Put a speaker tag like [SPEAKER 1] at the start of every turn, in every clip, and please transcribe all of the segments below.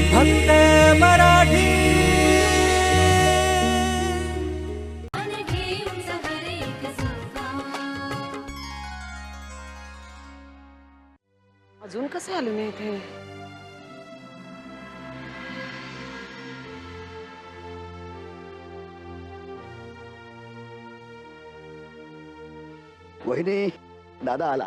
[SPEAKER 1] फक्त मराठी।
[SPEAKER 2] अजून कसे आले नाही इथे?
[SPEAKER 3] वहिनी, दादा आला.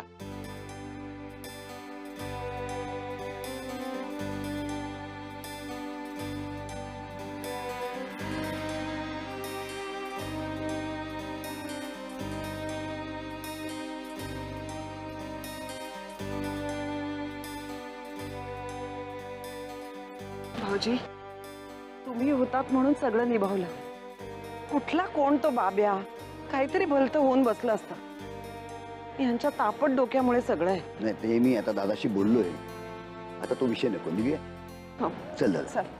[SPEAKER 2] भाऊजी, तुम्ही होतात म्हणून सगळं निभावलं. कुठला कोण तो बाब्या, काहीतरी भलतं होऊन बसलं असतं. यांच्या तापट डोक्यामुळे सगळं आहे.
[SPEAKER 3] नाही, ते मी आता दादाशी बोललोय. आता तो विषय नको, निघूया.
[SPEAKER 2] हो,
[SPEAKER 3] चल दादा.
[SPEAKER 2] चल.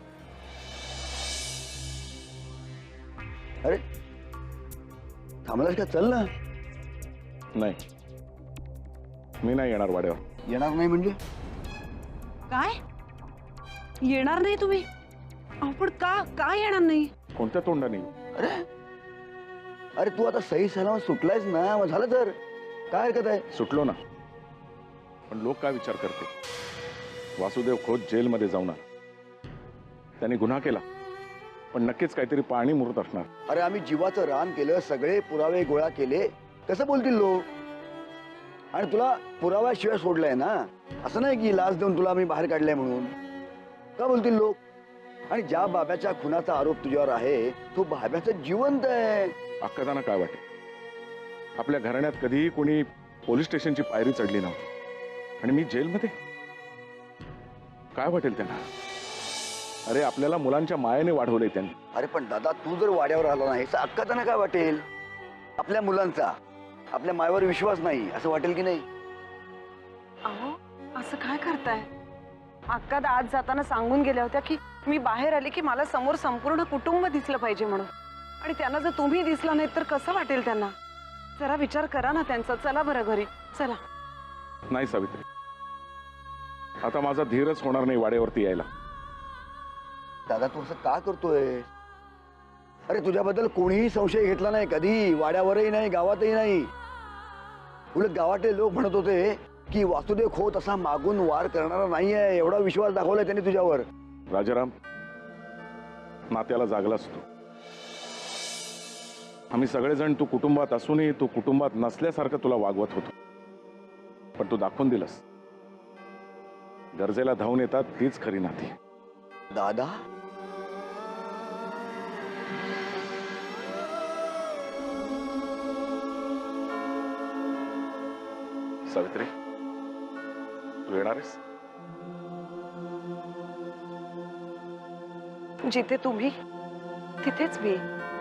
[SPEAKER 3] अरे थांबलास का? चल ना.
[SPEAKER 4] नाही, मी नाही येणार वाड्यावर.
[SPEAKER 3] येणार नाही म्हणजे?
[SPEAKER 2] काय येणार नाही तुम्ही? पण का येणार नाही?
[SPEAKER 4] कोणत्या तोंडाने?
[SPEAKER 3] अरे अरे तू आता सही सलामत सुटलायस ना, मग झालं तर काय हरकत आहे?
[SPEAKER 4] सुटलो ना, पण लोक काय विचार करते? वासुदेव खोत जेलमध्ये जाऊन आला. त्याने गुन्हा केला, पण नक्कीच काहीतरी पाणी मुरत असणार.
[SPEAKER 3] अरे आम्ही जीवाचं रान केलं, सगळे पुरावे गोळा केले, कसं बोलतील लोक? आणि तुला पुराव्याशिवाय सोडलंय ना, असं नाही की लाच देऊन तुला आम्ही बाहेर काढलंय म्हणून. का बोलतील लोक? आणि ज्या बाब्याच्या खुनाचा आरोप तुझ्यावर आहे, तो बाब्याचं जिवंत आहे.
[SPEAKER 4] अक्कादाना काय वाटेल? आपल्या घराण्यात कधीही कोणी पोलीस स्टेशनची पायरी चढली नव्हती, आणि मी जेलमध्ये. काय वाटेल त्यांना? अरे आपल्याला मुलांच्या मायेने वाढवलंय त्यांनी.
[SPEAKER 3] अरे पण दादा, तू जर वाड्यावर आला नाही तर अक्का त्यांना काय वाटेल? आपल्या मुलांचा आपल्या मायेवर विश्वास नाही असं वाटेल की नाही?
[SPEAKER 2] अहो, असं काय करताय? अक्का आज जाताना सांगून गेल्या होत्या की मी बाहेर आले की मला समोर संपूर्ण कुटुंब दिसलं पाहिजे म्हणून. आणि त्यांना जर तुम्ही दिसला नाही तर कसं वाटेल त्यांना? जरा विचार करा ना त्यांचा. चला बरं घरी, चला.
[SPEAKER 4] नाही सावित्री, आता माझा धीरच होणार नाही वाड्यावरती यायला.
[SPEAKER 3] दादा तू असं का करतोय? अरे तुझ्याबद्दल कोणीही संशय घेतला नाही कधी, वाड्यावरही नाही, गावातही नाही. उलट गावातले लोक म्हणत होते की वासुदेव खोत असा मागून वार करणारा नाहीये, एवढा विश्वास दाखवलाय त्यांनी तुझ्यावर.
[SPEAKER 4] राजाराम, नात्याला जागलास तू. आम्ही सगळेजण तू कुटुंबात असूनही तू कुटुंबात नसल्यासारखं तुला वागवत होतो, पण तू दाखवून दिलंस. गरजेला धावून येतात तीच खरी नाती.
[SPEAKER 3] दादा
[SPEAKER 4] सावित्री, तू येणार आहेस?
[SPEAKER 2] जिथे तुम्ही तिथेच मी.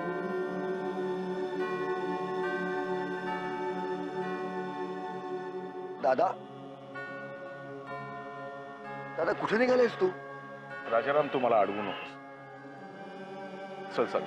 [SPEAKER 3] दादा दादा कुठे निघालेस तू?
[SPEAKER 4] राजाराम, तू मला अडवू नकोस. चल चल.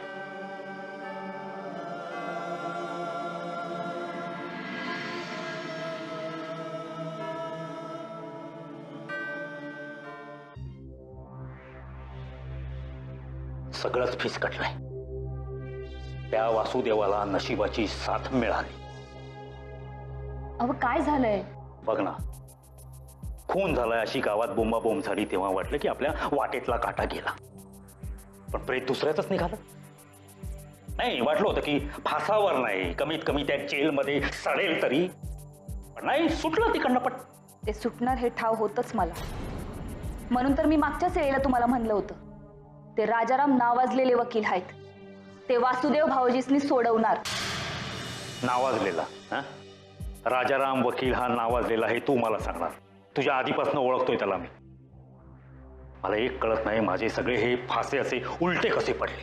[SPEAKER 5] सगळंच फिसकटलंय. त्या वासुदेवाला नशिबाची साथ मिळाली.
[SPEAKER 6] अहो काय झालंय?
[SPEAKER 5] बघ ना, खून झालाय अशी गावात बोंबाबोंब झाली तेव्हा वाटलं की आपल्या वाटेतला काटा गेला, पण प्रेत दुसऱ्याच निघालं. नाही, वाटलं होतं की फासावर नाही, कमीत कमी त्या जेलमध्ये सडेल तरी, पण नाही, सुटलं तिकडनं. पण
[SPEAKER 6] ते सुटणार हे ठाव होतच मला. म्हणून तर मी मागच्याच वेळेला तुम्हाला म्हणलं होतं, ते राजाराम नावाजलेले वकील आहेत, ते वासुदेव भाऊजीसनी सोडवणार.
[SPEAKER 5] नावाजलेला राजाराम वकील हा नावाजलेला हे तू मला सांगणार? तुझ्या आधीपासून ओळखतोय त्याला मी. मला एक कळत नाही, माझे सगळे हे फासे असे उलटे कसे पडले?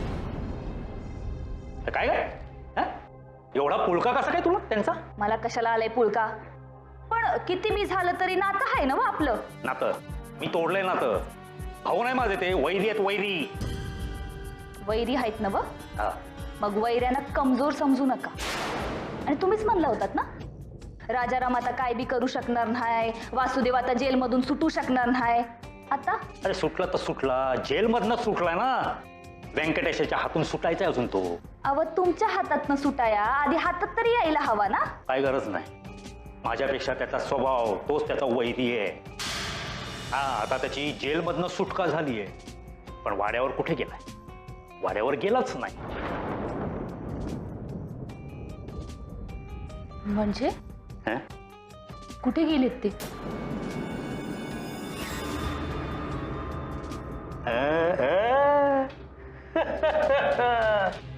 [SPEAKER 5] काय काय एवढा पुळका कसा काय तुला त्यांचा?
[SPEAKER 6] मला कशाला आलाय पुळका? पण किती मी झालं तरी नातं आहे ना आपलं.
[SPEAKER 5] नातं मी तोडलंय नातं. भाऊ नाही माझे, ते वैरी आहेत, वैरी.
[SPEAKER 6] वैरी आहेत ना? मग वैऱ्यांना कमजोर समजू नका. आणि तुम्हीच म्हणला होतात ना, राजाराम आता काय बी करू शकणार नाही, वासुदेव आता जेलमधून सुटू शकणार नाही. आता
[SPEAKER 5] अरे सुटला तर सुटला, जेलमधनं सुटलाय ना. व्यंकटेशाच्या हातून सुटायचा अजून तो.
[SPEAKER 6] अव तुमच्या हातातनं सुटाया आधी हातात तरी यायला हवा ना.
[SPEAKER 5] काय गरज नाही. माझ्यापेक्षा त्याचा स्वभाव, तोच त्याचा वैरी आहे. हा, आता त्याची जेलमधनं सुटका झालीये, पण वाड्यावर कुठे गेलाय? वाड्यावर गेलाच नाही.
[SPEAKER 6] म्हणजे
[SPEAKER 5] हं?
[SPEAKER 6] कुठे गेलेत ते?
[SPEAKER 5] अ, अ.